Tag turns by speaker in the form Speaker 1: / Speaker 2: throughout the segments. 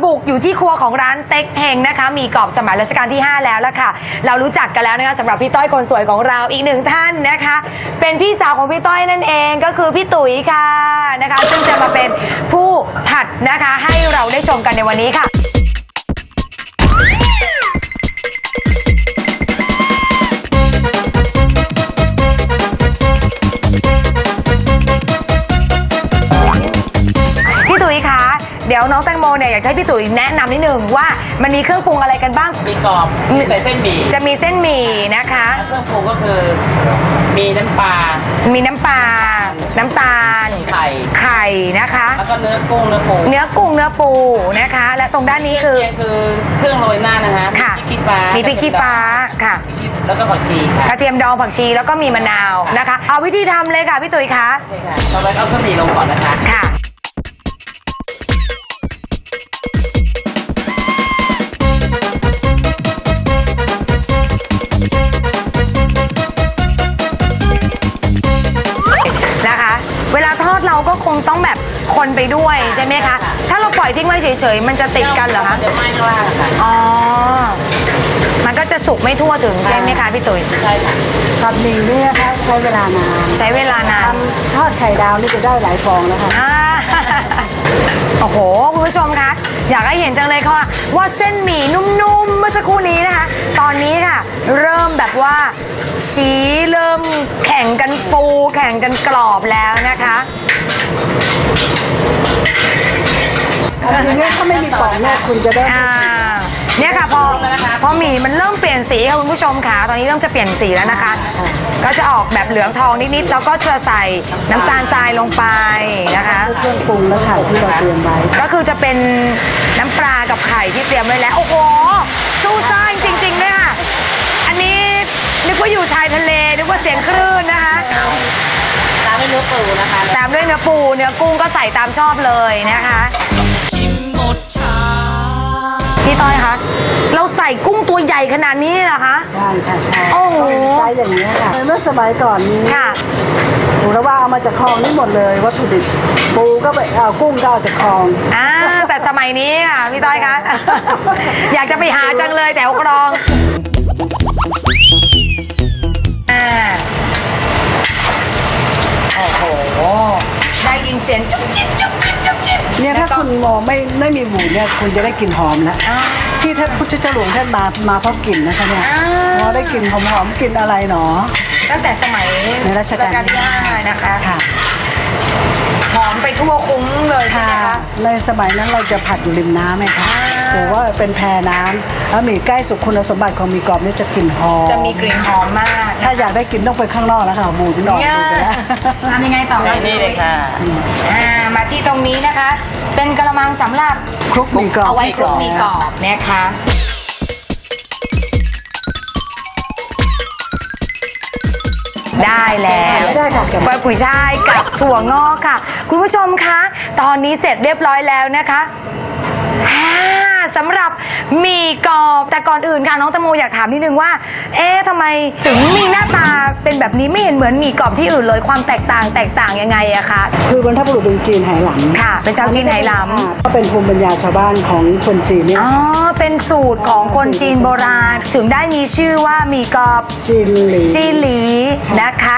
Speaker 1: บุกอยู่ที่ครัวของร้านเต็กเฮงนะคะมีกรอบสมัยรัชกาลที่5แล้วละค่ะเรารู้จักกันแล้วนะคะสำหรับพี่ต้อยคนสวยของเราอีกหนึ่งท่านนะคะเป็นพี่สาวของพี่ต้อยนั่นเองก็คือพี่ตุ๋ยค่ะนะคะซึ่งจะมาเป็นผู้ผัดนะคะให้เราได้ชมกันในวันนี้ค่ะเดี๋ยวน้องแตงโมเนี่ยอยากให้พี่ตุ๋ยแนะนำนิดนึงว่ามันมีเครื่องปรุงอะไรกันบ้าง
Speaker 2: มีกรอบมีใส่เส้นหมี่
Speaker 1: จะมีเส้นหมี่นะคะ
Speaker 2: เครื่องปรุงก็คือมีน้ำปลา
Speaker 1: น้ำตาลไข่นะคะ
Speaker 2: แล้วก็เนื้อกุ้งเนื้อ
Speaker 1: ปูนะคะและตรงด้านนี้คือ
Speaker 2: เครื่องโรยหน้านะคะ
Speaker 1: ค่ะมีพริกชี้ฟ้าค่ะ
Speaker 2: แล้วก็ผักชีค่ะ
Speaker 1: กระเทียมดองผักชีแล้วก็มีมะนาวนะคะเอาวิธีทำเลยค่ะพี่ตุ๋ยคะ
Speaker 2: ใช่ค่ะเราไปเอาเส้นหมี่ลงก่อนนะคะ
Speaker 1: ค่ะเวลาทอดเราก็คงต้องแบบคนไปด้วยใช่ไหมคะถ้าเราปล่อยทิ้งไว้เฉยๆมันจะติดกันเหรอคะ
Speaker 2: จะไหม้ข้างล่างค่ะ
Speaker 1: อ๋อมันก็จะสุกไม่ทั่วถึงใช่ไหมคะพี่ตุ๋ย
Speaker 2: ใช่ค่ะ
Speaker 3: ผัดหมี่นี่นะคะใช้เวลานานทอดไข่ดาวนี่จะได้หลายฟองนะคะ
Speaker 1: โอ้โหคุณผู้ชมคะอยากให้เห็นจังเลยค่ะว่าเส้นหมี่นุ่มๆเมื่อสักครู่นี้นะคะตอนนี้ค่ะเริ่มแบบว่าชี้เริ่มแข่งกันฟูแข่งกันกรอบแล้วนะคะ
Speaker 3: จริงๆถ้าไม่มีฟองเนี่ยคุณจะได้
Speaker 1: เนี่ยค่ะพอหมี่มันเริ่มเปลี่ยนสีค่ะคุณผู้ชมค่ะตอนนี้เริ่มจะเปลี่ยนสีแล้วนะคะก็จะออกแบบเหลืองทองนิดๆแล้วก็จะใส่น้ำตาลทรายลงไปนะคะ
Speaker 3: เครื่องปรุงและไข่ที่เราเตรียมไว้
Speaker 1: ก็คือจะเป็นน้ำปลากับไข่ที่เตรียมไว้แล้วโอ้โหสู้ซ่าจริงๆเลยค่ะอันนี้นึกว่าอยู่ชายทะเลนึกว่าเสียงคลื่นนะคะ
Speaker 2: ตามด้วยเนื้อปูนะคะ
Speaker 1: ตามด้วยเนื้อปูเนื้อกุ้งก็ใส่ตามชอบเลยนะคะชิมหมดชาพี่ต้อยคะเราใส่กุ้งตัวใหญ่ขนาดนี้เหรอคะ
Speaker 3: ใช่ค่ะใช่
Speaker 1: โอ้โห
Speaker 3: ไซส์อย่างนี้ค่ะเมื่อสมัยก่อนนี้
Speaker 1: ค่ะ
Speaker 3: หนูระว่าเอามาจากคลองนี่หมดเลยวัตถุดิบปูก็ไปเอากุ้งก็เอาจากคลอง
Speaker 1: แต่สมัยนี้ค่ะพี่ต้อยคะอยากจะไปหาจังเลยแถวคลองโอ้โหได้ยินเสียงจุ๊บจิ๊บจุ๊บจิ๊บจุ๊บจิ๊บ
Speaker 3: เนี่ยถ้าคุณมองไม่มีหมูเนี่ยคุณจะได้กลิ่นหอมแล้วที่ท่านพุทธเจ้าหลวงท่านมาเพราะกลิ่นนะคะเนี่ยพอได้กลิ่นหอมๆกลิ่นอะไรหนอ
Speaker 1: ตั้งแต่สมัย
Speaker 3: ในรัชกาลที่
Speaker 1: 5นะคะหอมไปทั่วคุ้งเลยใช่ไหมคะ
Speaker 3: ในสมัยนั้นเราจะผัดอยู่ริมน้ำไหมคะหรือว่าเป็นแพน้ำแล้วหมี่ใกล้สุกคุณสมบัติของหมี่กรอบนี่จะกลิ่นหอม
Speaker 1: จะมีกลิ่นหอมมาก
Speaker 3: ถ้าอยากได้กลิ่นต้องไปข้างนอกแล้วค่ะบูดนอก
Speaker 1: ทำยังไงต่อ
Speaker 2: นี่เลยค่ะ
Speaker 1: มาที่ตรงนี้นะคะเป็นกระมังสำหรับ
Speaker 3: คลุกหมี่กรอบ
Speaker 1: เอาไว้คลุกหมี่กรอบนะคะได้แล้วใบกุยช่ายกับถั่วงอกค่ะคุณผู้ชมคะตอนนี้เสร็จเรียบร้อยแล้วนะคะสำหรับหมี่กรอบแต่ก่อนอื่นค่ะน้องแตงโมอยากถามนิดนึงว่าทำไมถึงมีหน้าตาเป็นแบบนี้ไม่เห็นเหมือนหมี่กรอบที่อื่นเลยความแตกต่างยังไงอะคะ
Speaker 3: คือบรรพบุรุษเป็นจีนไหหลำ
Speaker 1: ค่ะเป็นชาวจีนไหหลำ
Speaker 3: ก็เป็นภูมิปัญญาชาวบ้านของคนจีนเนี่ย
Speaker 1: เป็นสูตรของคนจีนโบราณถึงได้มีชื่อว่าหมี่กรอบ
Speaker 3: จีน
Speaker 1: หลีนะคะ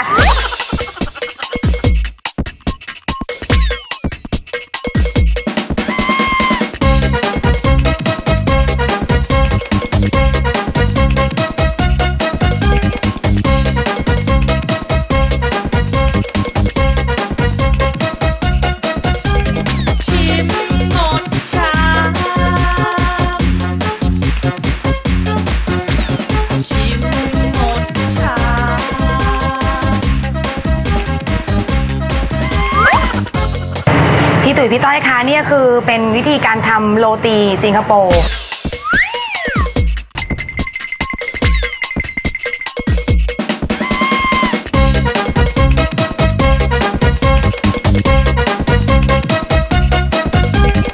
Speaker 1: พี่ต้อยคะนี่คือเป็นวิธีการทำโรตีสิงคโปร์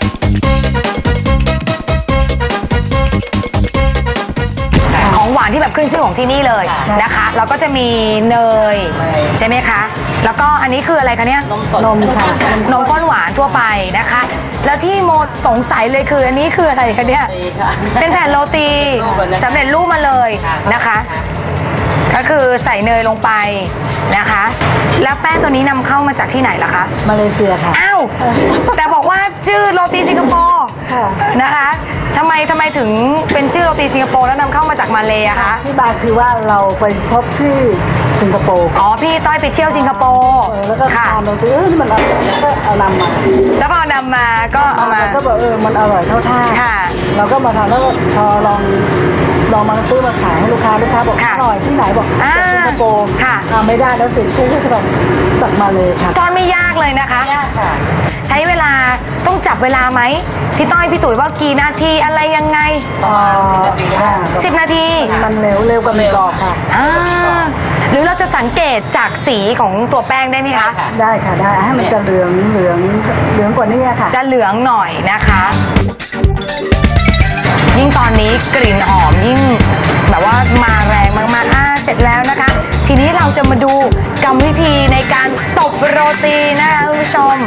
Speaker 1: ของหวานที่แบบขึ้นชื่อของที่นี่เลยนะคะแล้วก็จะมีเนยใช่ไหมคะแล้วก็อันนี้คืออะไรคะเนี่ย
Speaker 2: นมสด
Speaker 3: นมค่ะ
Speaker 1: นมข้นหวานทั่วไปนะคะ แล้วที่โมสงสัยเลยคืออันนี้คืออะไรคะเนี่ย
Speaker 2: ดีค่ะ
Speaker 1: เป็นแผ่นโรตีสำเร็จรูปมาเลยนะคะ ก็คือใส่เนยลงไปนะคะ แล้วแป้งตัวนี้นำเข้ามาจากที่ไหนล่ะคะ
Speaker 3: มาเลเซียค่ะ
Speaker 1: อ้าวแต่บอกว่าชื่อโรตีสิงคโปร์
Speaker 3: ค่ะ
Speaker 1: นะคะทำไมถึงเป็นชื่อโรตีสิงคโปร์แล้วนำเข้ามาจากมาเลยอะคะ
Speaker 3: ที่มาคือว่าเราไปพบที่สิงคโปร์
Speaker 1: อ๋อพี่ต้อยไปเที่ยวสิงคโปร์
Speaker 3: แล้วก็
Speaker 1: ค่ะ
Speaker 3: ทานเราตีนี่มันอร่อยแล้วก็เอานำมา
Speaker 1: แล้วพอนำมาก็เอามา
Speaker 3: ก็บอกมันอร่อยเท่าท่า
Speaker 1: ค่ะ
Speaker 3: เราก็มาทานแล้วก็พอลองมาซื้อมาขายให้ลูกค้าบอก
Speaker 1: ค่ะ
Speaker 3: อร่อยที่ไหนบอก
Speaker 1: อ่า
Speaker 3: จากสิงคโปร์
Speaker 1: ค่ะ
Speaker 3: ไม่ได้แล้วเสียชื่อที่แบบจากมาเลยค่ะ
Speaker 1: ตอนไม่ยากเลยนะคะ
Speaker 2: ยากค่ะ
Speaker 1: ใช้เวลาต้องจับเวลาไหมพี่ต้อยพี่ตุ๋ยว่ากี่นาทีอะไรยังไง 10 นาที
Speaker 3: มันเร็วกว่าหนึ่งดอกค่ะ
Speaker 1: อ่าหรือเราจะสังเกตจากสีของตัวแป้งได้ไหมคะ
Speaker 3: ได้ค่ะได้ให้มันจะเหลืองกว่านี้ค่ะ
Speaker 1: จะเหลืองหน่อยนะคะ ยิ่งตอนนี้กลิ่นหอมยิ่งแบบว่ามาแรงมากๆเสร็จแล้วนะคะ ทีนี้เราจะมาดูกรรมวิธีในการตบโรตีนะคะคุณผู้ชม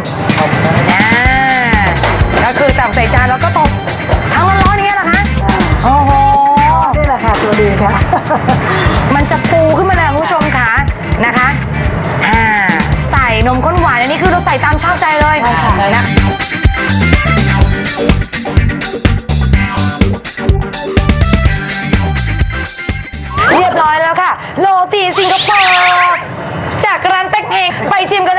Speaker 1: ก็คือตักใส่จานแล้วก็ตบทั้งร้อนๆอย่างเงี้ยเหรอคะโอ้โห
Speaker 3: นี่แหละค่ะตัวดีค่ะ
Speaker 1: มันจะฟูขึ้นมาเลยคุณผู้ชมค่ะนะคะใส่นมข้นหวานอันนี้คือเราใส่ตามชอบใจเลย
Speaker 3: ใช่ค่ะ
Speaker 1: นะเรียบร้อยแล้วค่ะโรตีสิงคโปร์จากร้านเต็กเฮงไปชิมกัน